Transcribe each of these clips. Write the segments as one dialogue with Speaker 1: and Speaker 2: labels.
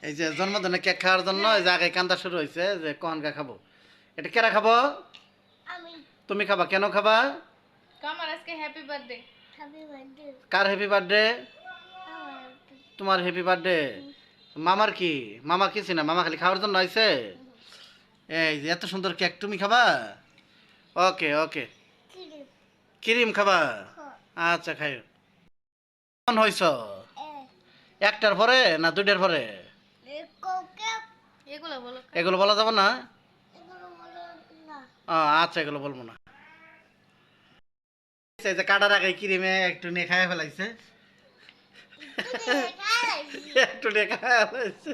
Speaker 1: এই যে জন্মদিনে কেক খাওয়ার জন্য এই যে আগে কান্দা শুরু হয়েছে যে কনকা খাবো। এটা কেরা খাবো?
Speaker 2: আমি।
Speaker 1: তুমি খাবা? কেন খাবা?
Speaker 2: কামার আজকে হ্যাপি বার্থডে।
Speaker 1: কার হ্যাপি বার্থডে? তোমার হ্যাপি বার্থডে। মামার কি? মামার কিছু না, মামা খালি খাওয়ার জন্য আইছে। এই যে এত সুন্দর কেক তুমি খাবা? ওকে ওকে। ক্রিম খাবা? আচ্ছা খাইও। কেমন হইছ? একটার পরে না দুইটার পরে?
Speaker 2: এগুলো বলো।
Speaker 1: এগুলো বলা যাবে না? আচ্ছা এগুলো বলবো না। এই যে কাটার আগে ক্রিমে একটু নিয়ে খাইয়া ফেলাইছে। একটু নিয়ে খাইয়া ফেলাইছে।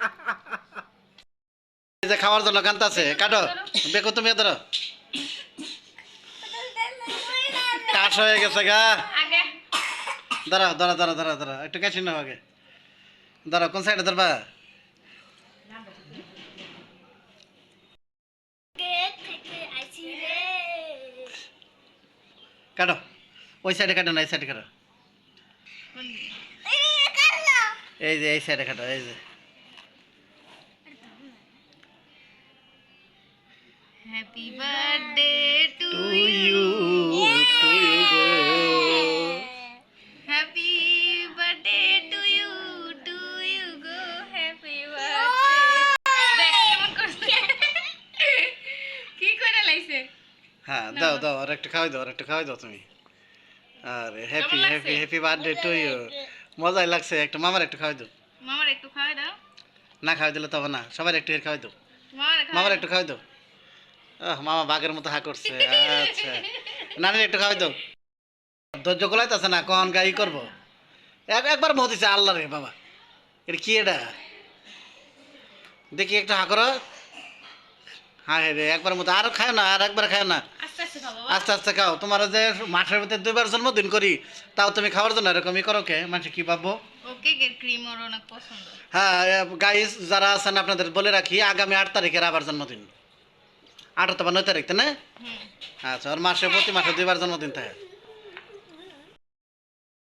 Speaker 1: এই যে খাওয়ার জন্য কান্তাছে। কাটো বেকো তুমি ধরো। কাশ হয়ে গেছে গা।
Speaker 2: আগে
Speaker 1: দাঁড়াও দাঁড়া দাঁড়া দাঁড়া দাঁড়া একটু কাশি নাও আগে। দাঁড়াও কোন সাইডে ধরবা? কাটো ওই সাইডে কাটো না এই সাইডে কাটো। এই যে এই সাইডে কাটো। এই যে
Speaker 2: happy birthday to
Speaker 1: to
Speaker 2: you.
Speaker 1: You to you গো।
Speaker 2: হ্যাপি বার্থডে টু ইউ গো হ্যাপি বার্থডে। দেখ কেমন করছে, কি করে লাইছে।
Speaker 1: হ্যাঁ দাও দাও আর একটু খাওয়াই দাও, আর একটু খাওয়াই দাও তুমি। আরে হ্যাপি
Speaker 2: লাগছে?
Speaker 1: Happy happy birthday to you. মজাই লাগছে। একটু মামার একটু খাওয়াই দাও।
Speaker 2: মামার একটু খাওয়াই দাও।
Speaker 1: না খাওয়াই দিলে তো হবে না, সবার একটু খাওয়াই দাও।
Speaker 2: মামার
Speaker 1: মামার একটু খাওয়াই দাও। মামা বাঘের মতো হা করছে। আচ্ছা নানির একটু খাওয়াই দাও। ধৈর্য গোলাইতেছে না, কখন গাই করবো। একবার মত দিছে আল্লাহ রে বাবা। এটা কি এটা? দেখি একটু হা করো। হ্যাঁ রে একবার মতো আর খায় না, আর একবার খায় না।
Speaker 2: আস্তে আস্তে খাও বাবা।
Speaker 1: আস্তে আস্তে খাও। তোমার যে মাসের ভিতরে 2বার জন্মদিন করি, তাও তুমি খাওয়ার জন্য এরকমই করো কে? মানুষ কি ভাববো?
Speaker 2: ও কেকের ক্রিম ওর অনেক পছন্দ।
Speaker 1: হ্যাঁ গাইস যারা আছেন আপনাদের বলে রাখি, আগামী 8 তারিখের আবার জন্মদিন। 8 অথবা 9 তারিখ তাই না?
Speaker 2: হুম।
Speaker 1: আচ্ছা, ওর মাসে প্রতি মাসে 2বার জন্মদিন থাকে।